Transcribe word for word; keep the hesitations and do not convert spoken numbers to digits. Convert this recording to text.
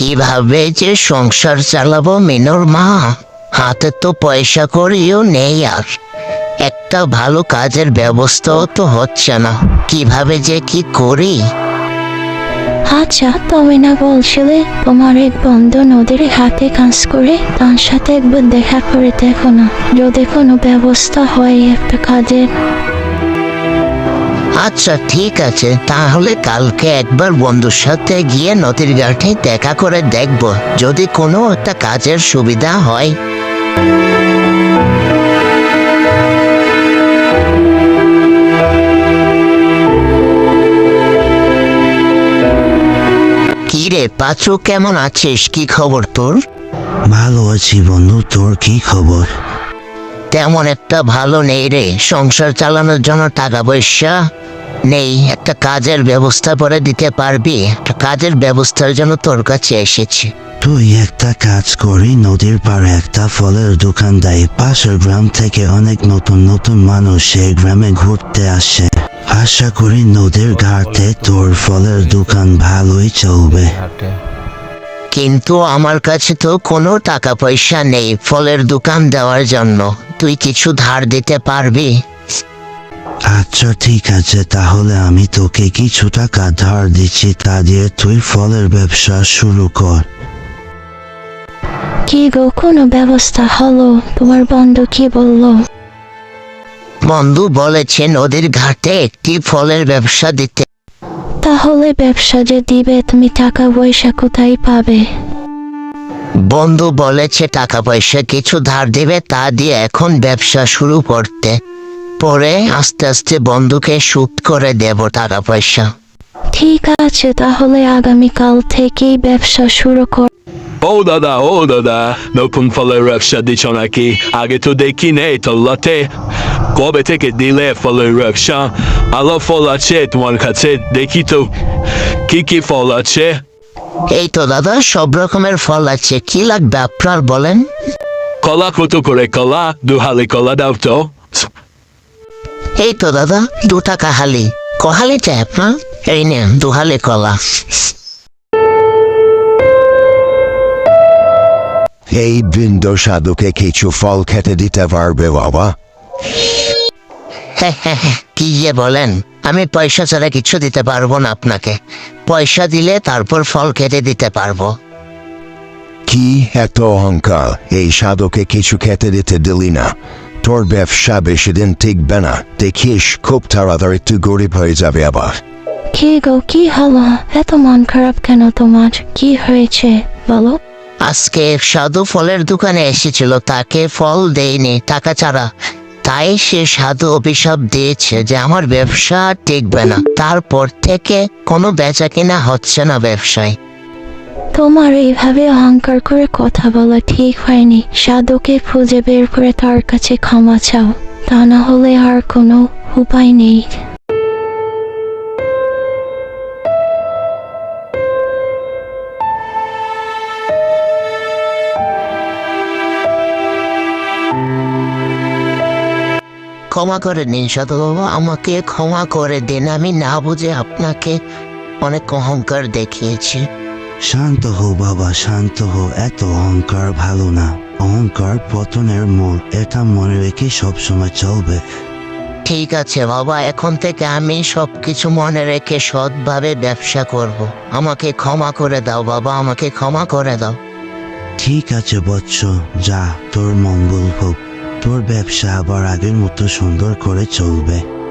কিভাবে যে সংসার চালাবো মিনুর মা, হাতে তো পয়সা করিও নেই, আর একটা ভালো কাজের ব্যবস্থাও তো হচ্ছে না, কিভাবে যে কি করি। আচ্ছা, তুমি না বলছিলে তোমার এক বন্ধু নদীর হাতে কাজ করে, তার সাথে একবার দেখা করে দেখো না, যদি কোনো ব্যবস্থা হয় একটা কাজের। আচ্ছা ঠিক আছে, তাহলে কালকে একবার বন্ধুর সাথে গিয়ে নদীর ঘাটে দেখা করে দেখব, যদি কোনো একটা কাজের সুবিধা হয়। কি রে পাঁচু, কেমন আছিস? কি খবর তোর? ভালো আছি বন্ধু, তোর কি খবর? তেমন একটা ভালো নেই রে, সংসার চালানোর জন্য টাকা পয়সা নেই। একটা কাজের ব্যবস্থা করে দিতে পারবি? একটা কাজের ব্যবস্থার জন্য তোর কাছে এসেছি। তুই একটা কাজ করি, নদীর পাড়ে একটা ফলের দোকান দেয়। পাশের গ্রাম থেকে অনেক নতুন নতুন মানুষ এই গ্রামে ঘুরতে আসে। আশা করি নদীর ঘাটে তোর ফলের দোকান ভালোই চলবে। কিন্তু আমার কাছে তো কোনো টাকা পয়সা নেই ফলের দোকান দেওয়ার জন্য, তুই কিছু ধার দিতে পারবি? আচ্ছা ঠিক আছে, তাহলে আমি তোকে কিছু টাকা ধার দিচ্ছি, তা দিয়ে তুই ফলের ব্যবসা শুরু কর। কি গো, কোনো ব্যবস্থা হলো? তোমার বন্ধু কি বললো? বন্ধু বলেছে নদীর ঘাটে একটি ফলের ব্যবসা দিতে। তাহলে ব্যবসা যে দিবে, তুমি টাকা পয়সা কোথায় পাবে? বন্ধু বলেছে টাকা পয়সা কিছু ধার দিবে, তা দিয়ে এখন ব্যবসা শুরু করতে, পরে আস্তে আস্তে বন্ধুকে সুদ করে দেব টাকা পয়সা। ঠিক আছে, তাহলে আগামীকাল থেকেই ব্যবসা শুরু কর। ও দাদা, ও দাদা, নতুন ফলের ব্যবসা দিচ্ছ নাকি? আগে তো দেখি নেই তোল্লাতে। কবে থেকে দিলে ফলের ব্যবসা? আলো ফল আছে তোমার কাছে? দেখি তো কি কি ফল আছে। এই তো দাদা, সব রকমের ফল আছে, কি লাগবে আপনার বলেন? কলা কত করে কলা? দু হালি কলা দাও তো। এই তো দাদা, দু টাকা হালি। কহালি চাই আপনার? এই নেন দু হালি কলা। এই বৃন্দ সাধুকে কিছু ফল খেতে দিতে পারবে বাবা? হ্যাঁ হ্যাঁ হ্যাঁ, কি যে বলেন, আমি পয়সা ছাড়া কিছু দিতে পারবো না আপনাকে, পয়সা দিলে তারপর ফল কেটে দিতে পারবো। কি এত অহংকার, এই সাধুকে কিছু খেতে দিতে দিলি না? তোর ব্যবসা বেশি দিন টিকবে না, দেখিস খুব তাড়াতাড়ি তুই গরিব হয়ে যাবে আবার। কি গো, কি হলো? এত মন খারাপ কেন তোমার? কি হয়েছে বলো? আজকে সাধু ফলের দোকানে এসেছিল, তাকে ফল দেয়নি টাকা ছাড়া, তাই সে সাধু অভিশাপ দিয়েছে যে আমার ব্যবসা টিকবে না, তারপর থেকে কোনো বেচা কিনা হচ্ছে না ব্যবসায়। তোমার এইভাবে অহংকার করে কথা বলা ঠিক হয়নি। সাধুকে খুঁজে বের করে তার কাছে ক্ষমা চাও, তা না হলে আর কোনো উপায় নেই। ক্ষমা করে দিন সাধু বাবা, আমাকে ক্ষমা করে দিন, আমি না বুঝে আপনাকে অনেক অহংকার দেখিয়েছি। শান্ত হো বাবা, শান্ত হো, এত অহংকার ভালো না। অহংকার পতনের মূল, এটা মনে রেখে সবসময় চলবে। ঠিক আছে বাবা, এখন থেকে আমি সব কিছু মনে রেখে সৎভাবে ব্যবসা করব। আমাকে ক্ষমা করে দাও বাবা, আমাকে ক্ষমা করে দাও। ঠিক আছে বৎস, যা, তোর মঙ্গল হোক। তোর ব্যবসা আবার আগের মতো সুন্দর করে চলবে।